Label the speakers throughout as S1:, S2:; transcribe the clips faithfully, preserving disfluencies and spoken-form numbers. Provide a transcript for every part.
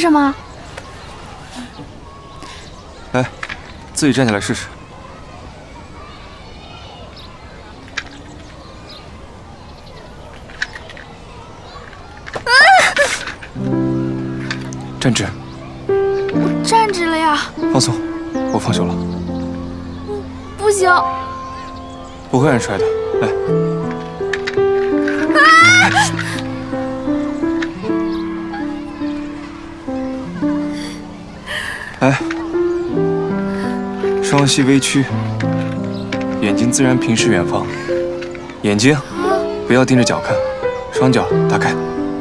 S1: 什么？
S2: 来，自己站起来试试。
S1: 啊！
S2: 站直。
S1: 我站直了呀。
S2: 放松，我放手了。
S1: 不行。
S2: 不会让你摔的，来。啊！来，双膝微曲，眼睛自然平视远方，眼睛不要盯着脚看，双脚打开，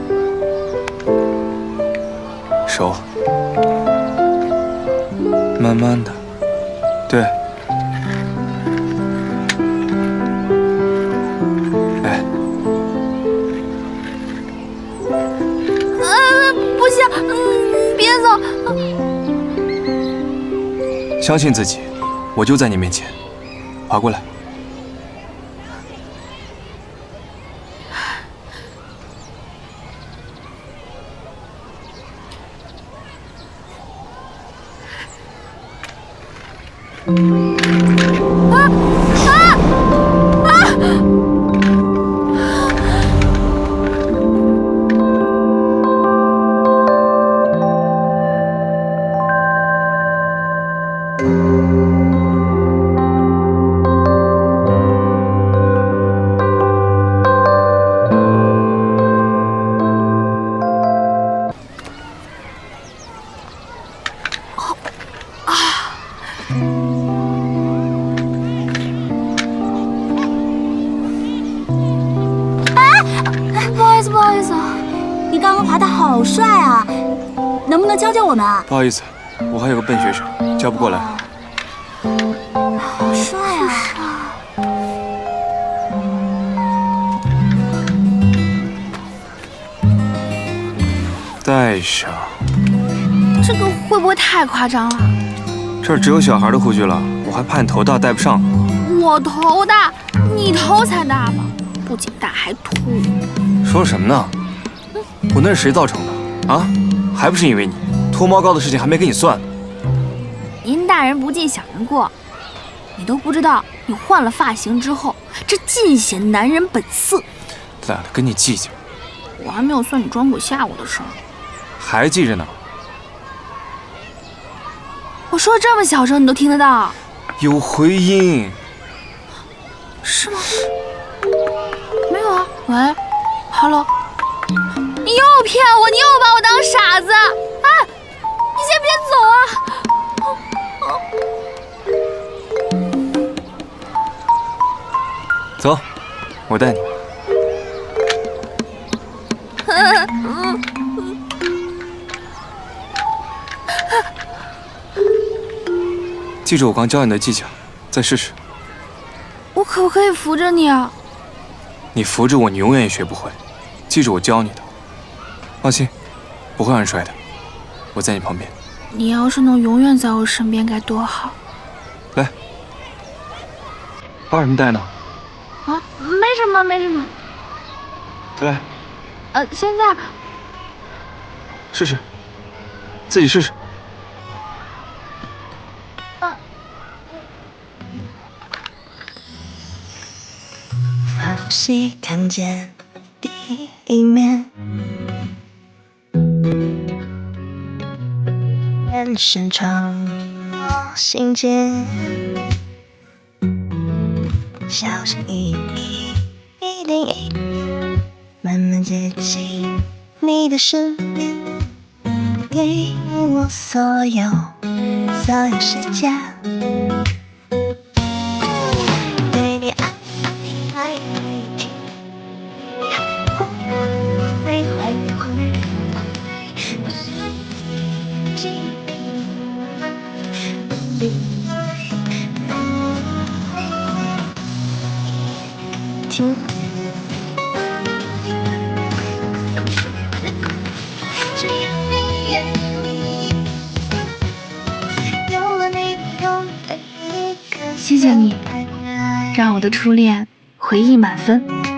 S2: 手慢慢的，对。哎，
S1: 呃，不行，嗯，别走。
S2: 相信自己，我就在你面前，爬过来。
S1: 啊啊啊！不好意思，不好意思，
S3: 你刚刚爬得好帅啊，能不能教教我们啊？
S2: 不好意思，我还有个笨学生，教不过来。
S3: 好帅啊！
S2: 戴上。
S1: 这个会不会太夸张了？
S2: 这儿只有小孩的护具了，我还怕你头大戴不上。
S1: 我头大，你头才大吧？不仅大还秃。
S2: 说什么呢？我那是谁造成的啊？还不是因为你，脱毛膏的事情还没跟你算。
S1: 您大人不计小人过，你都不知道，你换了发型之后，这尽显男人本色。
S2: 懒得跟你计较。
S1: 我还没有算你装鬼吓我的事儿，
S2: 还记着呢。
S1: 我说这么小声，你都听得到？
S2: 有回音。
S1: 是吗？没有啊。喂 ，Hello。你又骗我，你又把我当傻子啊！你先别走啊！
S2: 走，我带你。记住我刚教你的技巧，再试试。
S1: 我可不可以扶着你啊？
S2: 你扶着我，你永远也学不会。记住我教你的，放心，不会让人摔的。我在你旁边。
S1: 你要是能永远在我身边，该多好。
S2: 来，发什么呆呢？
S1: 啊，没什么，没什么。
S2: 来，
S1: 呃，现在
S2: 试试，自己试试。
S1: 啊。
S4: 好戏看见第一面，眼神闯我心间，小心翼翼，一点一点，慢慢接近你的身边，给我所有所有时间。对你爱爱情，会会会，听。
S1: 谢谢你，让我的初恋回忆满分。